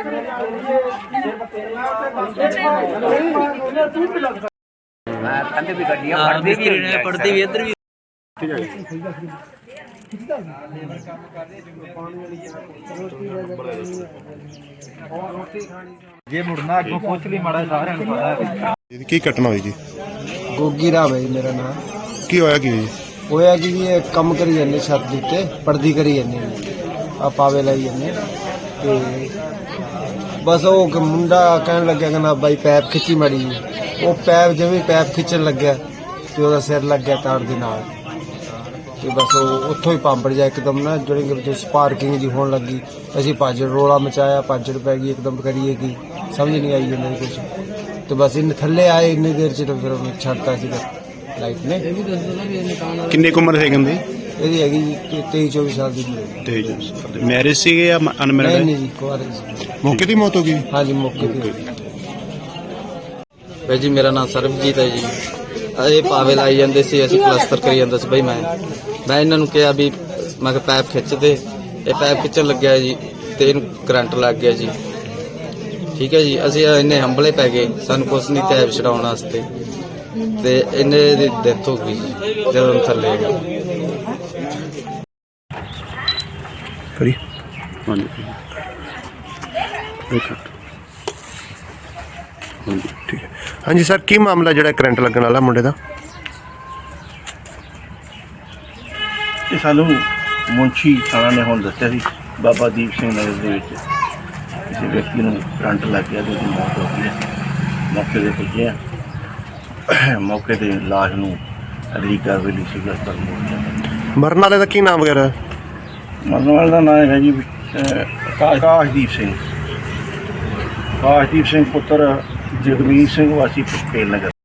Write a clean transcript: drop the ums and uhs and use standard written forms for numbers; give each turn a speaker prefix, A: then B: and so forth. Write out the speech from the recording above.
A: पढ़ते भी इधर भी जे मुड़ना अगों पुछ ली माड़ा सारे
B: की घटना हुई जी?
C: गोगी राम है जी मेरा नाम।
B: की होया की जी?
C: होया कि ये कम करी जाने छत दे उत्ते पर्दी करी जाने आ पावे लाई जाने ते बस वो मुंडा कहन लग्या कहना भाई पैप खिच्ची माड़ी जी। वो पैप जिवें पैप खिच्चन लग्या ते ओहदा सिर लग गया तार दे नाल ते बस वो उत्थों ही पांपड़ जा एकदम ना जेह्ड़ी स्पार्किंग जी होने लगी। असीं भज रोला मचाया, भज्जड़ पै गई एकदम करिए कि समझ नहीं आई जाने कुछ तो बस इन थल्ले आए इन्नी देर च तो फिर उन्हें छड्डता सी लाइट ने।
B: किन्नी उम्र है कहंदे?
C: ਇਹਦੀ ਹੈਗੀ 23-24 ਸਾਲ ਦੀ ਉਮਰ।
B: मैरिज सी या अनमैरिड?
C: नहीं जी कुआरे सी।
B: मौके दी मौत हो गई?
C: हाँ जी मौके पे।
A: भाई जी मेरा नाम सरबजीत है जी। ये पावे लाई जाते सी, असीं प्लस्तर करी जांदा सी। भाई मैं इन्हां नूं कहा भी मैं पैप खिच दे, ये पैप खिच्चण लग्या जी ते इहनूं करंट लग गया जी। ठीक है जी, असीं इन्ने हंबले पै गए, सानूं कुछ नहीं टैप छडाउण वास्ते ते इन्ने दी डेथ हो गई जी जदों थल्ले गए।
B: हाँ जी ठीक है। हाँ जी सर, की मामला जो करंट लगन वाला मुंडे का?
D: ये सानू मुंशी थाना ने हुण दस्सिया सी बाबा दीप सिंह नगर दे विच किसी व्यक्ति नूं करंट लग गया तो मौत हो गई है। मौके ते पुज्जे आ, मौके ते लाश नूं अगली कार्रवाई लई सिविल हस्पताल मोड़
B: मरन वाले का की नाम वगैरह?
D: मरण वाले का नाम है जी आकाशदीप सिंह पुत्र जगमीत सिंह वासी पटेल नगर।